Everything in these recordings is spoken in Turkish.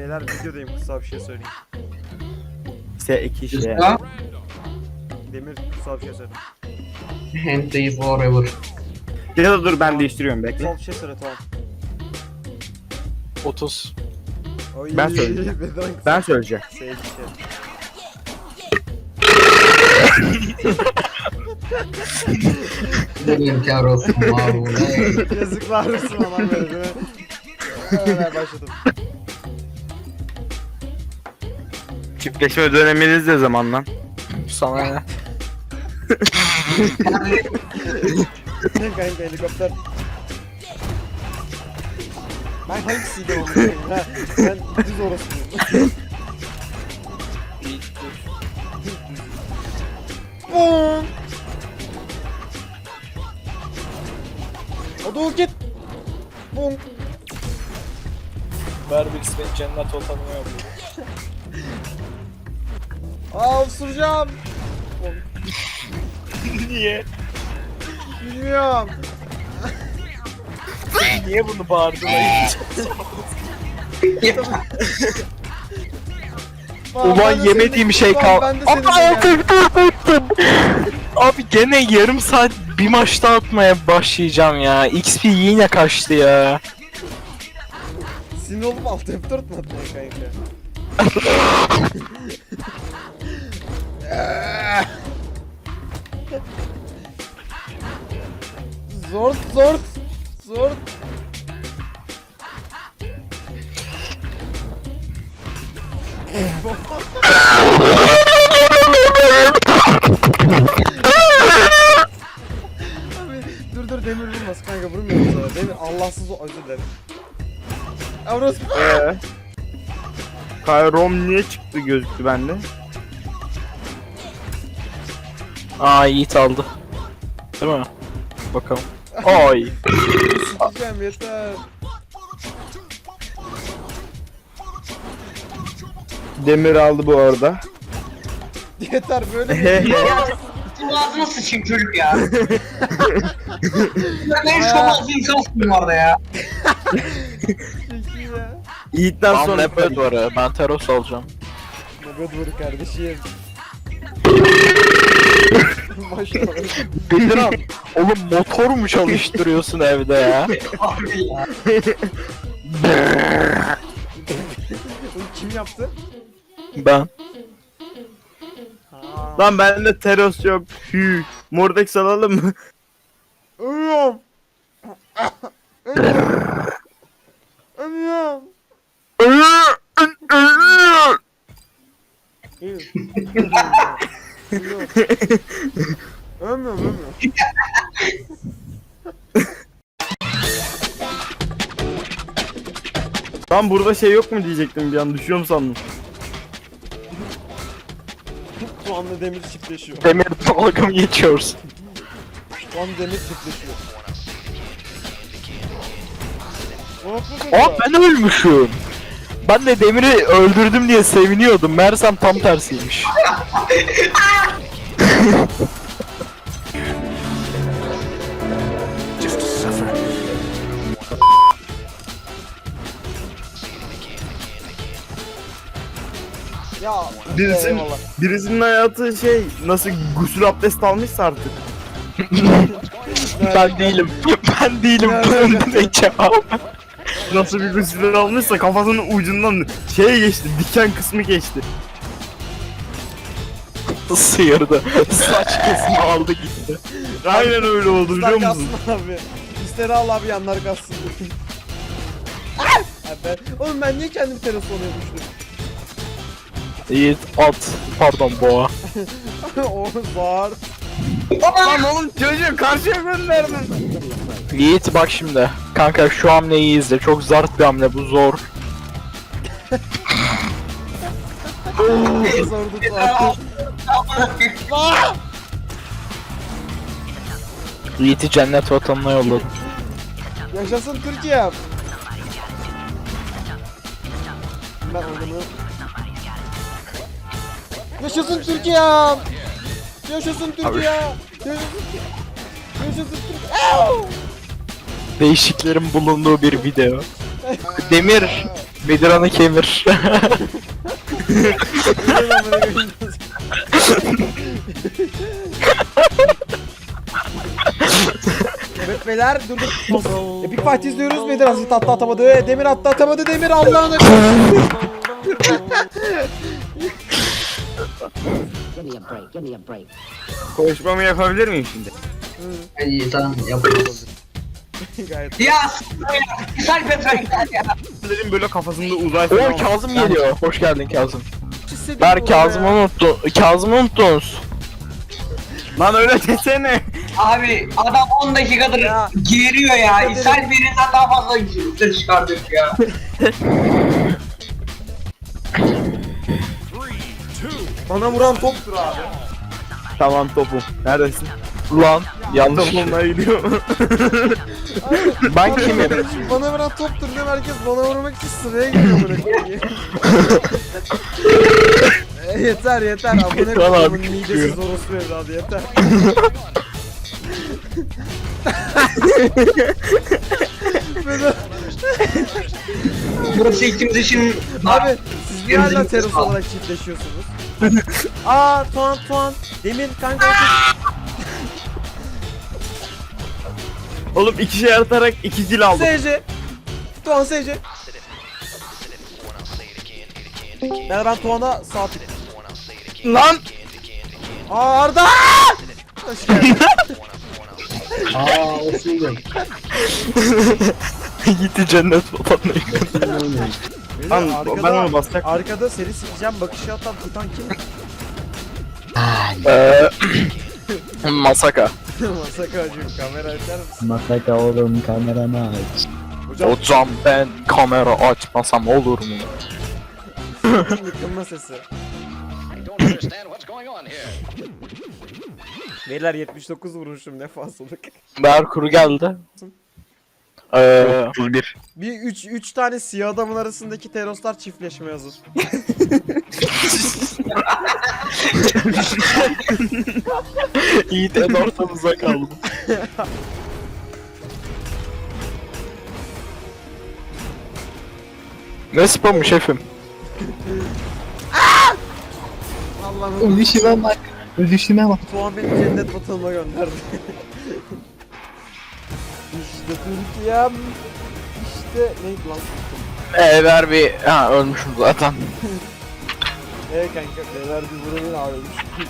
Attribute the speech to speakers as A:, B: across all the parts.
A: Beyler videodayım, kısa bir şey söyleyeyim.
B: S2 şey.
C: Kısa.
A: Demir, kısa bir şey söyle.
C: Hentai forever.
B: Ya da dur ben değiştiriyorum bekle.
A: Kısa bir şey söyle, tamam.
D: 30.
A: Oy,
B: Ben söyleyeceğim. Ben söyleyeceğim.
A: Şey.
C: Benim kar olsun vallahi.
A: Yazıklar olsun aman böyle. Evet, başladım.
B: Çiftleşme döneminiz ne zaman lan?
D: Sana ne?
A: Kanka helikopter. Ben hangisiydim onu söyleyeyim ha? Ben düz orospuyum. Boom! O da git. Boom!
D: Berbix beni cennet ortamına yapıyor.
A: Aa, osuracağım.
D: Niye?
A: Bilmiyorum.
D: Niye bunu bağırdın lan? Ulan yemediğim şey kaldı. Abi gene yarım saat bir maçta atmaya başlayacağım ya. XP yine kaçtı ya.
A: Sinir olup alt F4 mü atmaya kanka? Zor. Abi, dur demir vurmaz kanka, vurmuyorum sana. Demir Allahsız o, özür dilerim. Avros.
B: Kayrom niye çıktı gözüktü bende?
D: Aa Yiğit aldı. Değil mi? Bakalım. Ay.
A: Sikeceğim yeter.
B: Demir aldı bu arada.
A: Yeter böyle mi?
C: Ya bu ağzına sıçayım çocuk ya. Ben şu ağzı insansın bu arada ya.
A: Peki ya.
B: Yiğit'ten
D: Ben
B: sonra
D: Leopard var ya. Ben Teros alacağım.
A: Nugget vur kardeşim. Maşallah.
D: Bediran. Oğlum motor mu çalıştırıyorsun evde ya?
C: Abi ya.
A: Bunu kim yaptı?
D: Ben.
A: Ha.
B: Lan bende Teros yok. Hü. Mordex alalım mı?
A: Ölüyorum. Ölüyorum. Ölmüyorum.
B: Lan burada şey yok mu diyecektim bir an, düşüyorum sandım.
A: Şu anda demir çiftleşiyor.
D: Demir dalga mı geçiyorsun?
A: Şu anda demir çiftleşiyor.
D: Aa ben ölmüşüm. Ben de Demir'i öldürdüm diye seviniyordum. Meğersem tam tersiymiş.
A: Ya
B: Birisinin,
A: eyvallah.
B: birisinin hayatı şey, nasıl gusül abdest almışsa artık.
D: Ben değilim. Ben değilim. Bunun ne cevap?
B: Nasıl bir gusül almışsa kafasının ucundan şey geçti, diken kısmı geçti.
D: Sıyırdı. Saç kesimi aldı gitti.
B: Aynen öyle oldu biliyor
A: İster
B: musun?
A: kalsın abi. İster al abi, yanlar kalsın. Abi oğlum ben niye kendimi teras oluyormuştum?
D: Yiğit at. Pardon boğa.
A: O var.
B: Lan oğlum çocuğu karşıya gönderdin.
D: Yiğit bak şimdi. Kanka şu hamleyi izle. Çok zart bir hamle bu, zor.
A: Sordu zaten.
D: Yiğit'i cennet vatanına yolladım.
A: Yaşasın Türkiye. Ben onu. Yaşasın Türkiye. Yaşasın Türkiye. Yaşasın Türkiye.
D: Değişiklerin bulunduğu bir video. Demir Bedirhan'ı kemir.
A: Öyle lan böyle görünüyoruz. Evet beyler durduk. Epic Fight izliyoruz. Bedir Aziz attı atamadı. Demir attı atamadı. Demir Allah'ına.
E: Give me a break. Give me a break.
B: Konuşmamı yapabilir miyim şimdi?
C: İyi tamam yapıyoruz.
A: Gayet.
C: Ya s***ler ya. Güzel Petra ya.
B: Dedim böyle kafasında uzay
D: Oo Kazım geliyor. Hoş geldin Kazım.
A: Hissediyorum
D: Ver
A: orada
D: Kazım'ı
A: ya.
D: unuttu. Kazım'ı unuttunuz.
B: Lan öyle desene.
C: Abi adam 10 dakikadır
A: Ya.
C: giriyor ya. İshal birinden daha fazla ses çıkardık ya.
A: Bana vuran toptur abi.
B: Tamam topum. Neredesin?
D: Ulan yanlış.
B: Topumla gidiyor.
D: Ben
A: Bana
D: kimim?
A: vuran- Bana vuran toptur diyor herkes bana vurmak için sıraya giriyor buraya. Yeter yeter abone
D: Kral abi
A: koyumun midesiz orospu evladı yeter. Böyle-
C: Burası ikimiz için...
A: Abi siz niye hala
C: Gözünüzü
A: teros
C: sağ-
A: olarak çiftleşiyorsunuz? Aa Tuan Demir kanka
B: Oğlum iki şey atarak iki kill aldım.
A: SC Tuan SC ben Tuan'a sağ tık.
B: Lan!
A: Aa Arda! Hoş geldin.
F: Aa o şeydi.
D: Gitti cennet vatanına.
B: Lan
A: Arkada-
B: ben onu basacak.
A: Arkada seni sikeceğim bakışı atan tutan kim?
D: Masaka.
A: Masaka hacım kamera açar mısın?
F: Masaka oğlum kameranı aç.
A: Hocam
D: Hocam ben kamera açmasam olur mu?
A: yıkılma sesi. Beyler 79 vurmuşum ne fazlalık.
D: Merkur geldi.
B: 31.
A: Bir 3 tane siyah adamın arasındaki teroslar çiftleşmeye hazır.
D: Yiğit en ortamıza kaldı. Ne spamı şefim?
A: Allah'ım
F: Ölüşüme bak. Ölüşüme bak.
A: Tuğan beni cennet vatanıma gönderdi. İşte Türkiye'm. İşte neydi lan?
D: Ver bir... Ha ölmüşüm zaten.
A: Kanka beyler bir buranın ağrıymış.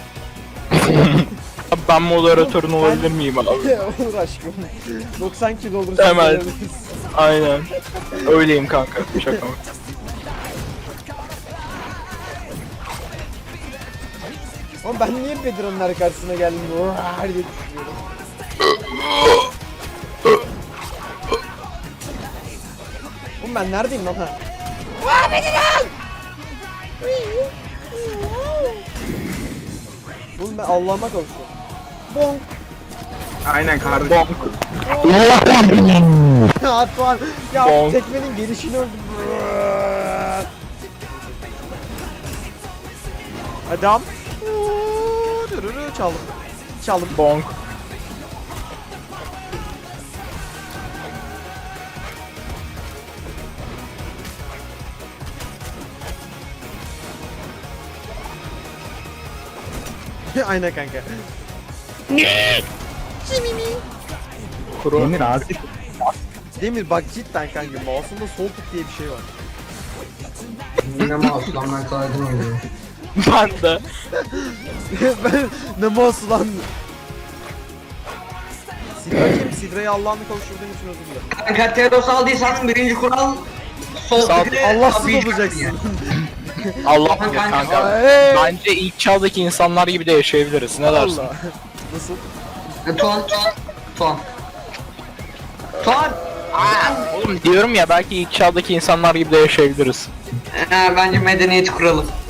D: Abi ben moderatörün olabilir miyim abi?
A: Olur aşkım. 90 kilo olur.
D: Hemen. Aynen. Öyleyim kanka. Şaka mı?
A: Oğlum ben niye Bedirhan'ın karşısına geldim? Her diye düşünüyorum. Oğlum ben neredeyim lan ha? Oğlum ben Allah'ıma kavuştum. Bonk.
B: Aynen kardeşim.
A: Atuan ya
D: Bonk.
A: tekmenin gelişini öldüm. Adam. Çaldım. Çaldım.
D: Bonk.
A: Aynen kanka.
D: Kuru.
F: Demir artık
A: Demir bak cidden kanka mouse'unda sol tık diye bir şey var.
C: Yine mouse lan ben kaydım oynuyor.
D: Ben de.
A: Ben ne mouse lan? Sidra kim? Sidra'yı Allah'ını kavuşturduğum için özür dilerim.
C: Kanka Teros aldıysan birinci kural sol
D: Sağ-
C: tıkı
A: Allahsız
C: tabii
A: olacaksın.
C: yani.
D: Allah bilir
C: Kanka.
D: kanka.
A: Hey!
D: Bence ilk çağdaki insanlar gibi de yaşayabiliriz. Ne dersin?
A: Allah. Nasıl?
C: Tuan.
D: Oğlum diyorum ya belki ilk çağdaki insanlar gibi de yaşayabiliriz.
C: Bence medeniyet kuralım.